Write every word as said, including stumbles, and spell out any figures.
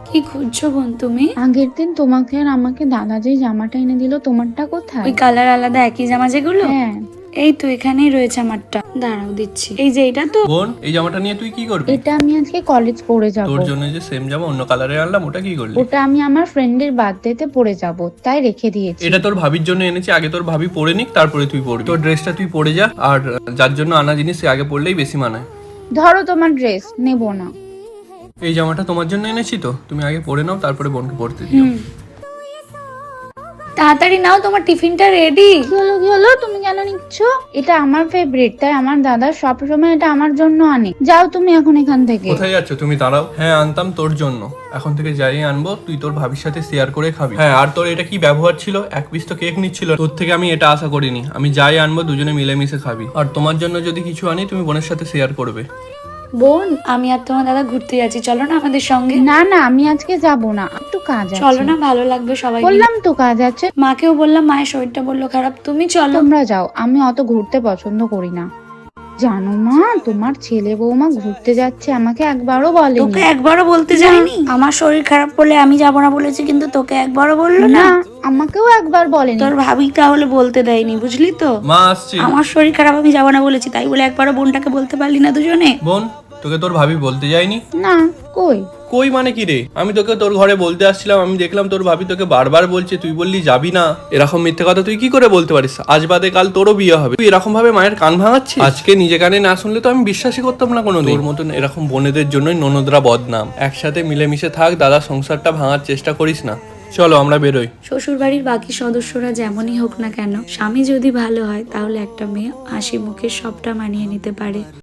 কি খুঁজছো বোন তুমি? আগের দিন তোমাকে আর আমাকে দাদা যে জামাটা এনে দিল, তোমারটা কোথায়? ওই কালার আলাদা একই জামা যেগুলো? হ্যাঁ। এই তো এখানেই রয়েছে আমারটা, দাঁড়াও দিচ্ছি। এই যে এটা তো। বোন, এই জামাটা নিয়ে তুই কি করবি? এটা আমি আজকে কলেজ পরে যাব। তোর জন্য যে সেম জামা অন্য কালারে আনলাম, ওটা কি করলি? ওটা আমি আমার ফ্রেন্ডের বার্থডেতে পরে যাব, তাই রেখে দিয়েছি। এটা তোর ভাবির জন্য এনেছি, আগে তোর ভাবি পরে নিক, তারপরে তুই পরবি। তোর ড্রেসটা তুই পরে যা, আর যার জন্য আনা জিনিস সে আগে পরলেই বেশি মানায়। ধরো তোমার ড্রেস, নেব না। এই জামাটা তোমার জন্য এনেছি তো, তুমি আগে পরে নাও, তারপরে বোনকে পরতে দিও। হুম, তাড়াতাড়ি নাও, তোমার টিফিনটা রেডি। কি হলো কি হলো, তুমি কেন নিচ্ছ? এটা আমার ফেভারিট, তাই আমার দাদা সবসময় এটা আমার জন্য আনে। যাও তুমি এখন এখান থেকে। কোথায় যাচ্ছ তুমি? দাঁড়াও। হ্যাঁ, আনতাম তোর জন্য, এখন থেকে যাই আনবো তুই তোর ভাবির সাথে শেয়ার করে খাবি। হ্যাঁ, আর তোর এটা কি ব্যবহার ছিল? এক পিস তো কেক নিচ্ছিল, তোর থেকে আমি এটা আশা করিনি। আমি যাই আনবো দুজনে মিলেমিশে খাবি, আর তোমার জন্য যদি কিছু আনি তুমি বোনের সাথে শেয়ার করবে। বোন, আমি আর তোমার দাদা ঘুরতে যাচ্ছি, চলো না আমাদের সঙ্গে। না না, আমি আজকে যাব না, একটু কাজ আছে। চলো না, ভালো লাগবে সবাই মিলে। বললাম তো কাজ আছে। মাকেও বললাম, মায়ের শরীরটা বললো খারাপ, তুমি চলো। তোমরা যাও, আমি অত ঘুরতে পছন্দ করি না। জানো মা, তোমার ছেলে বৌমা ঘুরতে যাচ্ছে, আমাকে একবারও বলেনি। তোকে একবারও বলতে যায়নি? আমার শরীর খারাপ বলে আমি যাবো না বলেছি, কিন্তু তোকে একবারও বললো না? না, আমাকেও একবার বলেনি। তোর ভাবি তাহলে বলতে দেয়নি, বুঝলি তো? মা আসছি। আমার শরীর খারাপ, আমি যাবো না বলেছি, তাই বলে একবারও বোনটাকে বলতে পারলি না দুজনে? বোন, তোকে তোর ভাবি বলতে যায়নি? না, কই? কই মানে কি রে? আমি তোকে তোর ঘরে বলতে আসছিলাম, আমি দেখলাম তোর ভাবি তোকে বারবার বলছে, তুই বললি যাবি না। এরকম মিথ্যে কথা তুই কি করে বলতে পারিস? আজ বাদে কাল তোরও বিয়ে হবে, তুই এরকম ভাবে মায়ের কান ভাঙাচ্ছিস? আজকে নিজে কানে না শুনলে তো আমি বিশ্বাসই করতাম না কোনো। তোর মতন এরকম বোনেদের জন্যই ননদরা বদনাম। একসাথে মিলেমিশে থাক, দাদা সংসারটা ভাঙার চেষ্টা করিস না। চলো আমরা বেরোই। শ্বশুর বাড়ির বাকি সদস্যরা যেমনই হোক না কেন, স্বামী যদি ভালো হয় তাহলে একটা মেয়ে হাসি মুখে সবটা মানিয়ে নিতে পারে।